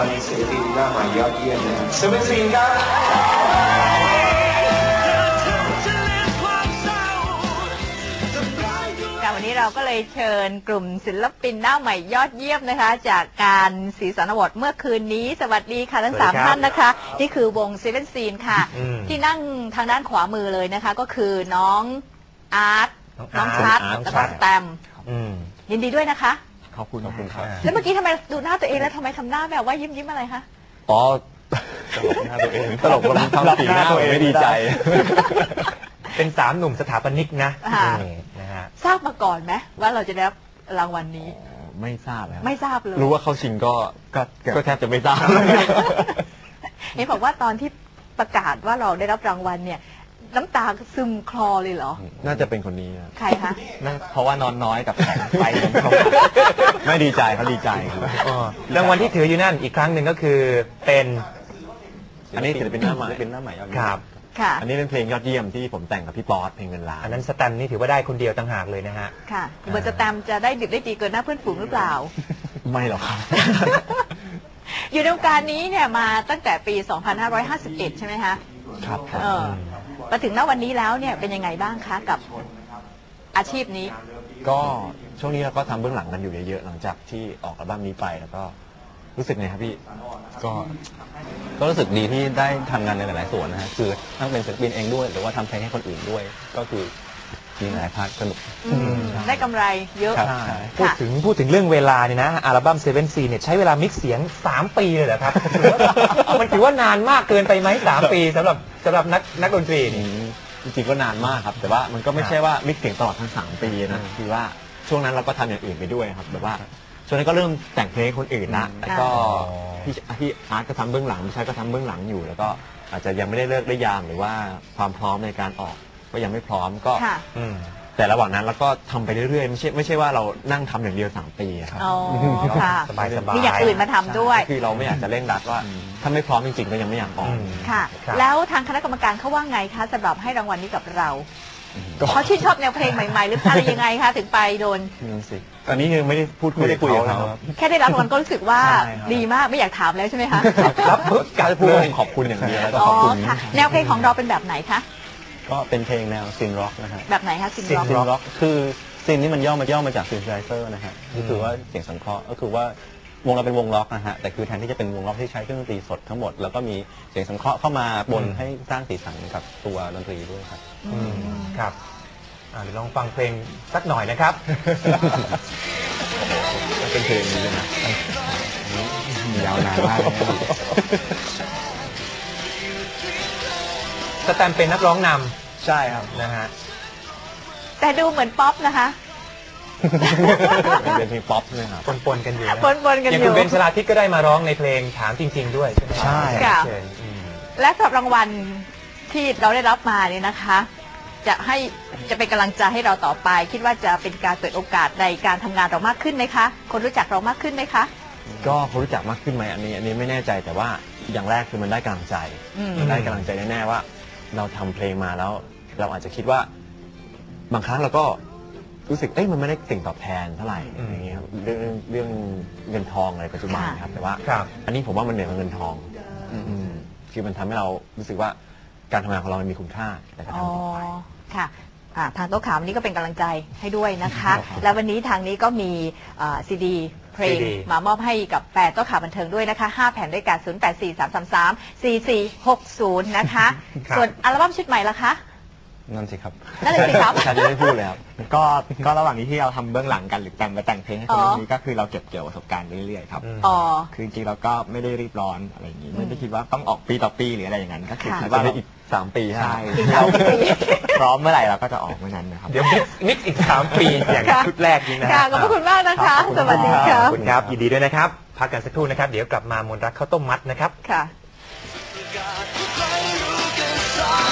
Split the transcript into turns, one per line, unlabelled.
วัลศิลปินหน้าใหม่ยอดเยี่ยมนะครับเซเว่นซีนครับ
วันนี้เราก็เลยเชิญกลุ่มศิลปินหน้าใหม่ยอดเยี่ยมนะคะจากการสีสันอวอร์ดเมื่อคืนนี้สวัสดีค่ะทั้ง3ท่านนะคะนี่คือวงเซเว่นซีนค่ะที่นั่งทางด้านขวามือเลยนะคะก็คือน้องอาร์ตน้องชัดแล้วก็แตมยินดีด้วยนะคะ
ขอบคุณครับ
แล้วเมื่อกี้ทำไมดูหน้าตัวเองแล้วทำไมทำหน้าแบบว่ายิ้มอะไรคะ
อ๋อตลกหน้าตัวเองตลกทำสีหน้าตัวเองไม่ดีใจ
เป็น3 หนุ่มสถาปนิกนะฮะ
ทราบมาก่อนไหมว่าเราจะได้รับรางวัลนี้
ไม่ทราบครับ
ไม่ทราบเลย
รู้ว่าเข้าชิงก็แทบจะไม่ทราบ
เห็นบอกว่าตอนที่ประกาศว่าเราได้รับรางวัลเนี่ยน้ำตาซึมคลอเลยเหรอ
น่าจะเป็นคนนี้
ใครคะ
เพราะว่านอนน้อยกับแสงไฟไม่ดีใจเขาดีใจ
รางวัลที่ถืออยู่นั่นอีกครั้งหนึ่งก็คือเป็น
อันนี้ศิลปินหน้าใหม่
ครับ
อันนี้เป็นเพลงยอดเยี่ยมที่ผมแต่งกับพี่ป๊อตเพลงเงินล้าน
อันนั้นสแตมนี่ถือว่าได้คนเดียวต่างหากเลยนะฮะ
ค่ะเบอร์สแตมจะได้ดิบได้ดีเกินหน้าเพื่อนฝูงหรือเปล่า
ไม่หรอกครับ
อยู่ในวงการนี้เนี่ยมาตั้งแต่ปี 2551 ใช่ไหมคะ
ครับ
มาถึงณวันนี้แล้วเนี่ยเป็นยังไงบ้างคะกับอาชีพนี้
ก็ช่วงนี้เราก็ทำเบื้องหลังกันอยู่เยอะๆหลังจากที่ออกอัลบั้มนี้ไปแล้วก็รู้สึกไงครับพี่ก็รู้สึกดีที่ได้ทำงานในหลายๆส่วนนะฮะคือทั้งเป็นศิลปินเองด้วยหรือว่าทำเพลงให้คนอื่นด้วยก็คือมีหลายพาร์ทสนุก
ได้กำไรเยอะ
พูดถึงเรื่องเวลาเนี่ยนะอัลบั้มเซเว่นซีเนี่ยใช้เวลามิกซ์เสียง3 ปีเลยเหรอครับมันถือว่านานมากเกินไปไหม3 ปีสำหรับนักดนตรีนี่
จริงๆก็นานมากครับแต่ว่ามันก็ไม่ใช่ว่ามิกซ์เสียงตลอดทั้ง3 ปีนะคือว่าช่วงนั้นเราก็ทำอย่างอื่นไปด้วยครับแบบว่าช่วงนั้นก็เริ่มแต่งเพลงคนอื่นนะแล้วก็พี่อาร์ตก็ทำเบื้องหลังพี่ชายก็ทำเบื้องหลังอยู่แล้วก็อาจจะยังไม่ได้เลิกได้ยามหรือว่าความพร้อมในการออกก็ยังไม่พร้อมก็แต่ระหว่างนั้นเราก็ทำไปเรื่อยๆไม่ใช่ว่าเรานั่งทำอย่างเดียว3 ปีครับ
สบาย
มีอย่างอื่นมาทำด้วย
คือเราไม่อยากจะเร่งรัดว่าถ้าไม่พร้อมจริงๆก็ยังไม่อยากออก
ค่ะแล้วทางคณะกรรมการเขาว่าไงคะสำหรับให้รางวัลนี้กับเราเขาชื่นชอบแนวเพลงใหม่ๆหรืออะไรยังไงคะถึงไปโดน
ตอนนี้ยังไม่ได้พูดคุยกับเขา
แค่ได้รับรางวัลก็รู้สึกว่าดีมากไม่อยากถามแล้วใช่ไหมคะ
ครับการพูดขอบคุณอย่างเดียวแล้วก็ขอบคุณ
แนวเพลงของเราเป็นแบบไหนคะ
ก็เป็นเพลงแนวซินร็อกนะครับ
แบบไหนคะซิน
ร็อกคือซินนี่มันย่อมาจากซินไซเซอร์นะฮะก็คือว่าเสียงสังเคราะห์ก็คือว่าวงเราเป็นวงล็อกนะฮะแต่คือแทนที่จะเป็นวงล็อกที่ใช้เครื่องดนตรีสดทั้งหมดแล้วก็มีเสียงสังเคราะห์เข้ามาบนให้สร้างสีสันกับตัวดนตรีด้วยครับ
ครับเดี๋ยวลองฟังเพลงสักหน่อยนะครับ
เป็นเพลงนี้เลยนะยาวนานมาก
สแตมเป็นนักร้องน
ำใช่ครับ
นะฮะ
แต่ดูเหมือนป๊อปนะคะ
เป็นเพลงป๊อปเลยครับ
ปนกันอยู่
กัน
อยู่อย่างคุณเบนชลาทิศก็ได้มาร้องในเพลงถามจริงๆด้วยใช่ไหม
ใช่
และสำหรับรางวัลที่เราได้รับมาเนี่ยนะคะจะเป็นกำลังใจให้เราต่อไปคิดว่าจะเป็นการเปิดโอกาสในการทำงานเรามากขึ้นไหมคะคนรู้จักเรามากขึ้นไหมคะ
ก็คนรู้จักมากขึ้นไหมอันนี้ไม่แน่ใจแต่ว่าอย่างแรกคือมันได้กำลังใจแน่ๆว่าเราทำเพลงมาแล้วเราอาจจะคิดว่าบางครั้งเราก็รู้สึกมันไม่ได้สิ่งตอบแทนเท่าไหร่อย่างเงี้ยครับเรื่องเงินทองอะไรปัจจุบันครับแต่ว่าอันนี้ผมว่ามันเหนือกว่าเงินทองคือมันทำให้เรารู้สึกว่าการทำงานของเรามีคุณค่าแต่การทำต่อไป
ค่ะทางโต๊ะข่าววันนี้ก็เป็นกำลังใจให้ด้วยนะคะแล้ววันนี้ทางนี้ก็มีซีดีเพลงมามอบให้กับแฟนโต๊ะข่าวบันเทิงด้วยนะคะ5 แผ่นด้วยกัน0843334460นะคะส่วนอัลบั้มชุดใหม่ล่ะคะ
นั่นสิครับ
นั่นเลยสิครับ
ฉันจะไม่พูดเลยครับก็ระหว่างนี้ที่เราทำเบื้องหลังกันหรือแต่งเพลงให้คนนี้ก็คือเราเก็บเกี่ยวประสบการณ์ไปเรื่อยๆครับคือจริงๆเราก็ไม่ได้รีบร้อนอะไรอย่างนี้ไม่ได้คิดว่าต้องออกปีต่อปีหรืออะไรอย่างนั้นก็คือคิดว่าอีก3 ปีใช่พร้อมเมื่อไหร่เราก็จะออกเมื่อนั้นนะครับ
เดี๋ยวมิกอีก3 ปีอย่างชุดแรกนี้นะ
ขอบคุณมากนะคะสวัสดีค่ะ
ขอบคุณครับยินดีด้วยนะครับพักกันสักครู่นะครับเดี๋ยวกลับมามนรักข้าวต้มมัดนะครับ
ค่ะ